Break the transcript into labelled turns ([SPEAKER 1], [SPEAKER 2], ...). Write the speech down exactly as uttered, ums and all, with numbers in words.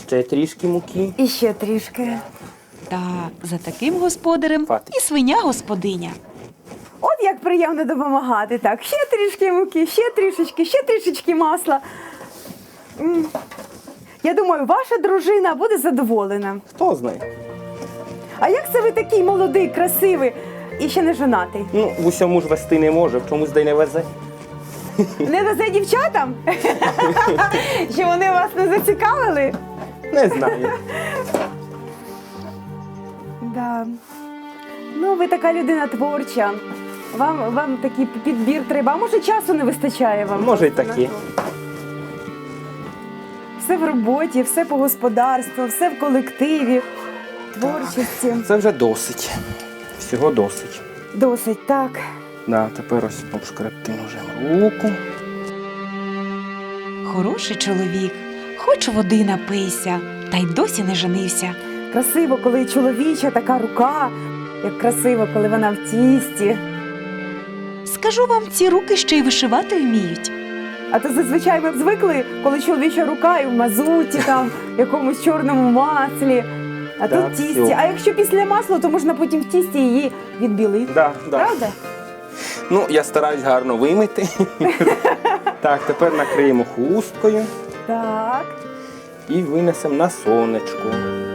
[SPEAKER 1] ще трішки муки.
[SPEAKER 2] І ще трішки.
[SPEAKER 3] Та за таким господарем
[SPEAKER 1] Хватить.
[SPEAKER 3] і свиня-господиня.
[SPEAKER 2] От як приємно допомагати. Так, ще трішки муки, ще трішечки, ще трішечки масла. М. Я думаю, ваша дружина буде задоволена.
[SPEAKER 1] Хто знає?
[SPEAKER 2] А як це ви такий молодий, красивий і ще не женатий?
[SPEAKER 1] Ну, в усьому ж вести не може, в чомусь де й не везе.
[SPEAKER 2] Не везе дівчатам? Що вони вас не зацікавили?
[SPEAKER 1] Не знаю.
[SPEAKER 2] Да. Ну, ви така людина творча. Вам, вам такий підбір треба. А може, часу не вистачає вам?
[SPEAKER 1] Може й
[SPEAKER 2] просто
[SPEAKER 1] таке.
[SPEAKER 2] на то? Все в роботі, все по господарству, все в колективі, творчості.
[SPEAKER 1] Це вже досить. Всього досить.
[SPEAKER 2] Досить, так.
[SPEAKER 1] Да, тепер ось обшкребти ножем руку.
[SPEAKER 3] Хороший чоловік, хоч води напийся, та й досі не женився.
[SPEAKER 2] Красиво, коли чоловіча така рука, як красиво, коли вона в тісті.
[SPEAKER 3] Скажу вам, ці руки ще й вишивати вміють.
[SPEAKER 2] А то зазвичай ми б звикли, коли чоловіча рука і в мазуті, там, якомусь чорному маслі. А
[SPEAKER 1] Так,
[SPEAKER 2] тут в тісті.
[SPEAKER 1] всьо.
[SPEAKER 2] А якщо після масла, то можна потім в тісті її відбілити.
[SPEAKER 1] Да, да.
[SPEAKER 2] Правда?
[SPEAKER 1] Ну, я стараюсь гарно вимити. Так, тепер накриємо хусткою
[SPEAKER 2] Так.
[SPEAKER 1] і винесемо на сонечко.